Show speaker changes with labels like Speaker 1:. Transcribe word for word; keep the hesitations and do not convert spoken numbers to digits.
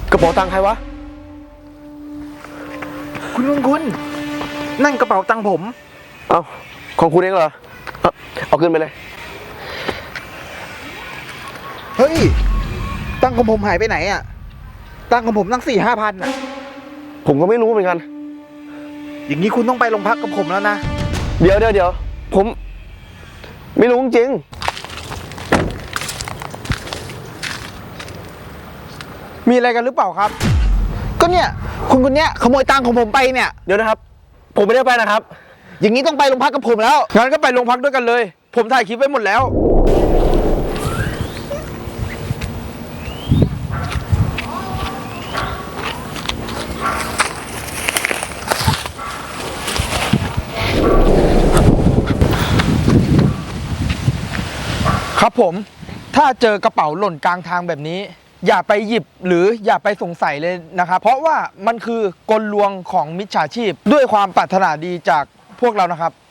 Speaker 1: กระเป๋าตังค์ใครวะ
Speaker 2: คุณคุณคุณนั่นกระเป๋าตังค์ผม
Speaker 1: เอาของคุณเองเหรอ เอาเอาขึ้นไปเลย
Speaker 2: เฮ้ยตังค์ของผมหายไปไหนอะตังค์ของผมตั้งสี่ห้าพันอะ
Speaker 1: ผมก็ไม่รู้เหมือนกัน
Speaker 2: อย่างนี้คุณต้องไปโรงพักกับผมแล้วนะ
Speaker 1: เดี๋ยวเดี๋ยวเดี๋ยวผม ไม่รู้จริง
Speaker 2: มีอะไรกันหรือเปล่าครับ ก็เนี่ยคุณคนเนี้ยขโมยตังค์ของผมไปเนี่ย
Speaker 1: เดี๋ยวนะครับ ผมไม่ได้ไปนะครับ
Speaker 2: อย่างนี้ต้องไปโรงพักกับผมแล้วงั้นก็ไปโรงพักด้วยกันเลย ผมถ่ายคลิปไว้หมดแล้ว ครับผมถ้าเจอกระเป๋าหล่นกลางทางแบบนี้ อย่าไปหยิบหรืออย่าไปสงสัยเลยนะครับ เพราะว่ามันคือกลลวงของมิจฉาชีพด้วยความปรารถนาดีจากพวกเรานะครับ